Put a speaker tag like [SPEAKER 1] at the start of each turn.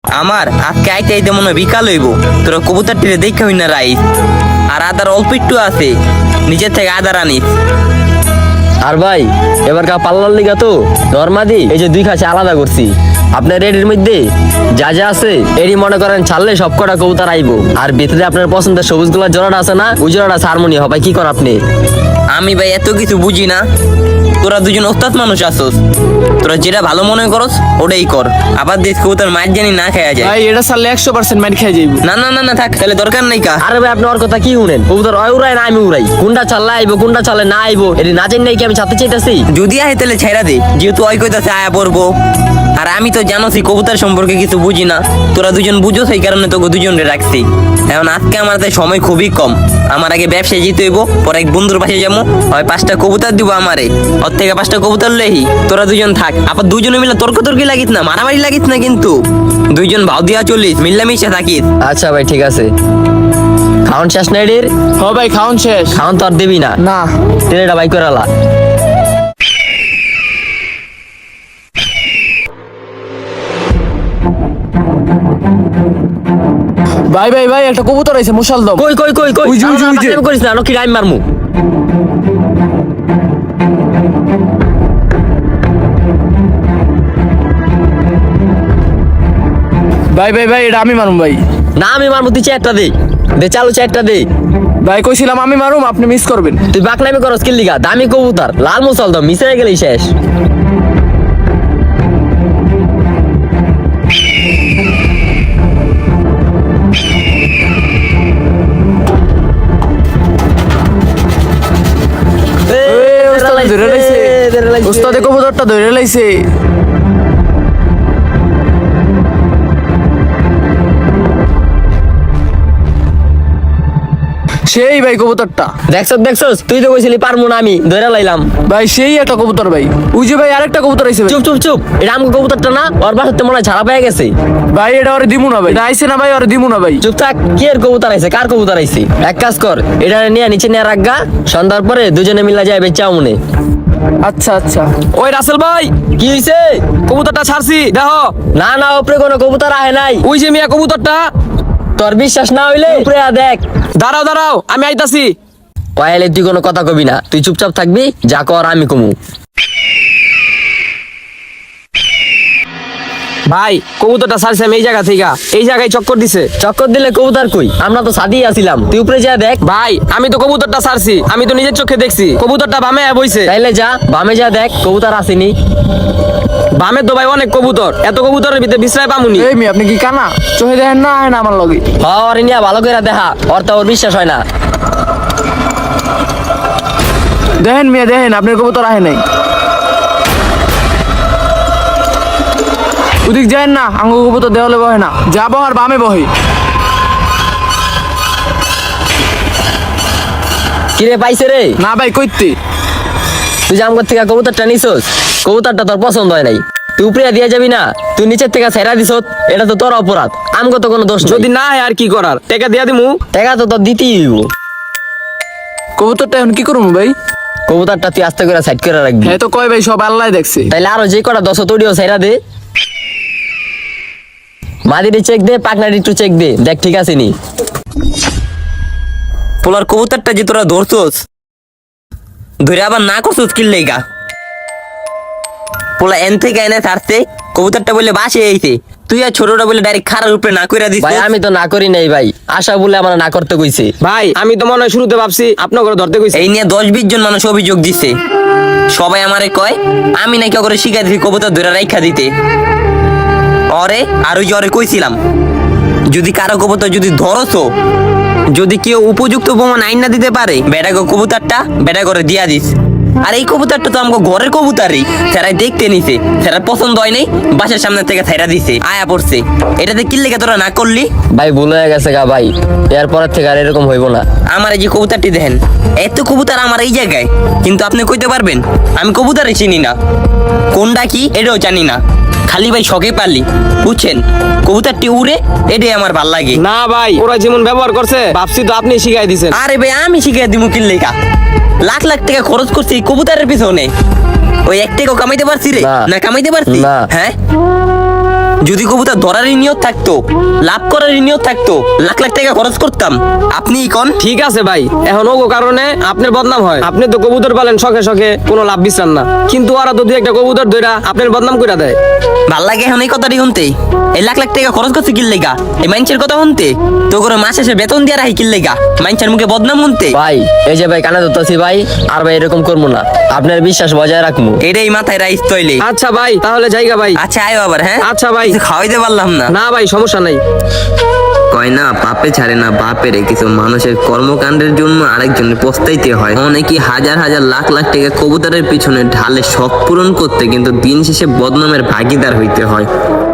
[SPEAKER 1] আমার আজকে আইতে আইতে মনে হয় বিকাল হইব। তোরা কবুতরটিরে দেখা হই না রাইস, আর আদার অল্প একটু আছে, নিচের থেকে আদার আনিস।
[SPEAKER 2] আর ভাই এবারকার পাল্লার লিগা তো নরমাদি এই যে দুই খাঁচা আলাদা করছি। আপনার এর মধ্যে যা যা আছে এরই মনে করেন ছাড়লে সব কটা কবুতর আইবো। আর ভিতরে আপনার পছন্দের সবুজ গুলার জোড়াটা আছে না, ওই জোড়াটা হারমোনি হবে। কি কর আপনি?
[SPEAKER 1] আমি ভাই এত কিছু বুঝি না, তোরা দুজন ওস্তাদ মানুষ আসোস, তোরা যেটা ভালো মনে করস ওটাই কর। আবার দেশ কবুতর মাছ জানি না খাওয়া যায়।
[SPEAKER 3] ভাই এটা সারলে 100% মার খেয়ে যাইব।
[SPEAKER 1] না না না না থাক, তাহলে দরকার নাই কা।
[SPEAKER 2] আরে ভাই আপনি ওর কথা কি শুনেন? কবুতর ওই উড়াই না আমি উড়াই, কোনটা চাললে আইবো কোনটা চালে না আইবো এটি না জানি নাই কি আমি ছাড়তে চাইতেছি?
[SPEAKER 1] যদি আহে তাহলে ছেড়া দে, যেহেতু ওই কইতাছে আয়া পড়বো। আর আমি তো জানোসই কবুতর সম্পর্কে কিছু বুঝি না, তোরা দুজন বুঝো, সেই কারণে তোকে দুজনে রাখছি। এখন আজকে আমার হাতে সময় খুবই কম, আমার আগে ব্যবসায় যেতে হইব, পরে এক বন্ধুর পাশে যাবো, হয় 5টা কবুতর দিব আমারে, ওর থেকে 5টা কবুতর লেহি। তোরা দুজন থাক, আবার দুজনে মিলে তর্কি লাগিস না, মারামারি লাগিস না, কিন্তু দুইজন ভাও দিয়া চলিস, মিল্লামিশা থাকিস।
[SPEAKER 2] আচ্ছা ভাই ঠিক আছে। খাওয়ান শেষ না এটির?
[SPEAKER 3] হ ভাই খাওন শেষ।
[SPEAKER 2] খাওয়ান তো আর দিবি না?
[SPEAKER 3] না
[SPEAKER 2] ট্রেনটা বাই করে আলা।
[SPEAKER 3] ভাই ভাই ভাই একটা কবুতর আইছে মুশালদম।
[SPEAKER 2] কই কই কই কই
[SPEAKER 3] ওই যে, ওই যে, ওই যে।
[SPEAKER 2] আমি করিস না, কি টাইম মারমু।
[SPEAKER 3] ভাই ভাই ভাই এটা আমি মারুম ভাই।
[SPEAKER 2] না আমি মারমু, তুই চারটা দে, দে চালু চারটা দে।
[SPEAKER 3] ভাই কইছিলাম আমি মারুম, আপনি মিস করবেন।
[SPEAKER 2] তুই বাকনামি করস কি লিগা? দামি কবুতর লাল মুসল দাও, মিশে গেলেই শেষ।
[SPEAKER 3] ওস্তাদ ধরে লাইছে, ওস্তাদে কবুতরটা ধরে লাইছে। সেই ভাই কবুতরটা
[SPEAKER 2] দেখছস দেখছস, তুই তো কইছিলি পারমু না, আমি ধরে লাইলাম।
[SPEAKER 3] ভাই, সেই একটা কবুতর ভাই। ওই যে ভাই আরেকটা কবুতর আইছে ভাই।
[SPEAKER 2] চুপ চুপ চুপ, এটা আমগো কবুতরটা না? ওর বাসাতে মনে হয় ছাড়া পেয়ে গেছে।
[SPEAKER 3] ভাই এটা ওরে দিমু না ভাই, এটা আইছে না ভাই, ওরে দিমু না ভাই।
[SPEAKER 2] চুপ থাক, কি এর কবুতর আইছে? কার কবুতর আইছে? এক কাজ কর, এটা নিয়ে নিচে নিয়ে রাখগা, সন্ধ্যার পরে দুজনে মিলা যায় বেচাও মনে।
[SPEAKER 3] আচ্ছা আচ্ছা।
[SPEAKER 4] ওই রাসেল ভাই,
[SPEAKER 2] কি হইছে?
[SPEAKER 4] কবুতরটা ছাড়ছি দেখো।
[SPEAKER 2] না না, উপরে কোনো কবুতর আহে নাই।
[SPEAKER 4] ওই যে মিয়া কবুতরটা।
[SPEAKER 2] তোর বিশ্বাস না হইলে উপরে আ দেখ।
[SPEAKER 4] দাঁড়াও দাঁড়াও, আমি আইতাছি।
[SPEAKER 2] কয়ালে তুই কোনো কথা কবি না, তুই চুপচাপ থাকবি, যা কর আমি কমু।
[SPEAKER 4] ভাই কবুতরটা ছাড়ছি আমি এই জায়গা থেকে, এই জায়গায় চক্কর দিছে।
[SPEAKER 2] চক্কর দিলে কবুতর কই? আমরা তো সাদিয়ে আসিলাম, তুই উপরে যা দেখ।
[SPEAKER 4] ভাই আমি তো কবুতরটা ছাড়ছি, আমি তো নিজের চোখে দেখছি কবুতরটা বামে বইছে।
[SPEAKER 2] তাইলে যা বামে যা দেখ, কবুতর আসেনি।
[SPEAKER 4] বামে তো ভাই অনেক কবুতর, এত কবুতরের ভিতরে বিশ্রায় পামুনি।
[SPEAKER 3] এই মি আপনি কি কানা চোখে দেখেন না? আয় না আমার লগে।
[SPEAKER 2] ওর নিয়ে ভালো করে দেখা, ওর তো ওর বিশ্বাস হয় না।
[SPEAKER 3] দেখেন মিয়া দেখেন, আপনার কবুতর আহে নাই। ওদিক যায় না, আঙ্গু কবুতর দেওয়ালে বহে না, যা বহার বামে বহে।
[SPEAKER 2] কিরে পাইছে রে?
[SPEAKER 3] না ভাই কইতে।
[SPEAKER 2] তুই যে আমগর থেকে কবুতরটা নিছস, কবুতরটা তোর পছন্দ হয় নাই, তুই উপরে দিয়ে যাবি না? তুই নিচের থেকে ছেড়া দিছ, এটা তো তোর অপরাধ, আমগো তো কোনো দোষ নাই।
[SPEAKER 4] যদি না হয় আর কি করার, টাকা দিয়া দিমু।
[SPEAKER 2] টাকা তো তোর দিতেই হইব।
[SPEAKER 3] কবুতরটা এখন কি করবো ভাই?
[SPEAKER 2] কবুতরটা তুই আস্তে করে সাইড করে রাখবি।
[SPEAKER 3] হ্যাঁ তো কয় ভাই, সব আল্লাহ দেখছে।
[SPEAKER 2] তাইলে আরো যে কটা 10 তড়িও ছেড়া দে। মাদিরি চেক দে, পাকনারি একটু চেক দে, দেখ ঠিক আছে নি।
[SPEAKER 1] পোলার কবুতরটা যে তোরা ধরছস, ধরে আবার না করছস কি লেগা? পোলা এন থেকে এনে ছাড়ছে, কবুতরটা বলে বাসে আইছে, তুই আর ছোটটা বলে ডাইরেক্ট খারার উপরে না কইরা দিস।
[SPEAKER 2] ভাই আমি তো না করি নাই ভাই, আশা বলে আমার না করতে কইছে।
[SPEAKER 4] ভাই আমি তো মনে হয় শুরুতে ভাবছি আপনার ঘরে ধরতে কইছি।
[SPEAKER 1] এই নিয়ে 10-20 জন মানুষ অভিযোগ দিছে, সবাই আমারে কয় আমি নাকি ওরে শিখাই দিছি কবুতর ধরে রাইখা দিতে। অরে আর ওই যে ওরে কইছিলাম, যদি কারো কবুতর যদি ধরছো, যদি কেউ উপযুক্ত প্রমাণ আইন না দিতে পারে, বেটা কবুতরটা বেটা করে দিয়া দিস। আর এই কবুতরটা তো আমাকে ঘরের কবুতরই, সেরাই দেখতে নিছে, সেরা পছন্দ হয় নাই, বাসার সামনে থেকে ছেড়া দিছে, আয়া পড়ছে। এটাতে কি লেগে তোরা না করলি?
[SPEAKER 2] ভাই ভুল হয়ে গেছে গা ভাই, এরপরের থেকে আর এরকম হইব না।
[SPEAKER 1] আমার এই যে কবুতরটি দেখেন, এত কবুতর আমার এই জায়গায়, কিন্তু আপনি কইতে পারবেন আমি কবুতরই চিনি না, কোনটা কি এটাও জানি না, খালি ভাই শখে পারলি, বুঝছেন? কবুতরটি উড়ে, এটাই আমার ভাল লাগে।
[SPEAKER 4] না ভাই, ওরা যেমন ব্যবহার করছে ভাবছি তো আপনি শিখাই দিছেন।
[SPEAKER 1] আরে ভাই আমি শিখাই দিব কি লেখা? লাখ লাখ টাকা খরচ করছি এই কবুতরের পিছনে, ওই এক টাকাও কামাইতে পারছি রে?
[SPEAKER 2] না।
[SPEAKER 1] না কামাইতে পারছি?
[SPEAKER 2] না।
[SPEAKER 1] হ্যাঁ যদি কবুতর ধরারই নিয়ত থাকতো, লাভ করারই নিয়ত থাকতো, লাখ লাখ টাকা খরচ করতাম। আপনি কোন?
[SPEAKER 4] ঠিক আছে ভাই, এখন ওগো কারণে আপনার বদনাম হয়। আপনি তো কবুতর পালেন শখে শখে, কোনো লাভ বিচার না, কিন্তু ওরা তো দুই একটা কবুতর ধইরা আপনার বদনাম কইরা দেয়।
[SPEAKER 1] ভাল লাগে এখন এই কথাটি শুনতে? এই লাখ লাখ টাকা খরচ করছে কিল লেগা? এই মাইনছের কথা শুনতে? তো করে মাস শেষে বেতন দিয়ে রাখি কিল লেগা? মাইনছের মুখে বদনাম শুনতে?
[SPEAKER 2] ভাই এই যে ভাই কানে ধরতেছি ভাই, আর ভাই এরকম করবো না, আপনার বিশ্বাস বজায় রাখবো।
[SPEAKER 1] এটাই মাথায় রাইস তৈলে।
[SPEAKER 4] আচ্ছা ভাই, তাহলে জায়গা ভাই।
[SPEAKER 1] আচ্ছা আয়ো আবার, হ্যাঁ?
[SPEAKER 4] আচ্ছা ভাই।
[SPEAKER 1] কিছু খাওয়াইতে পারলাম না।
[SPEAKER 4] না ভাই, সমস্যা নাই।
[SPEAKER 1] কয় না, পাপে ছাড়ে না বাপের। কিছু মানুষের কর্মকাণ্ডের জন্য আরেকজনের পস্তাইতে হয়। অনেকে হাজার হাজার লাখ লাখ টাকা কবুতরের পিছনে ঢালে শখ পূরণ করতে, কিন্তু দিন শেষে বদনামের ভাগিদার হইতে হয়।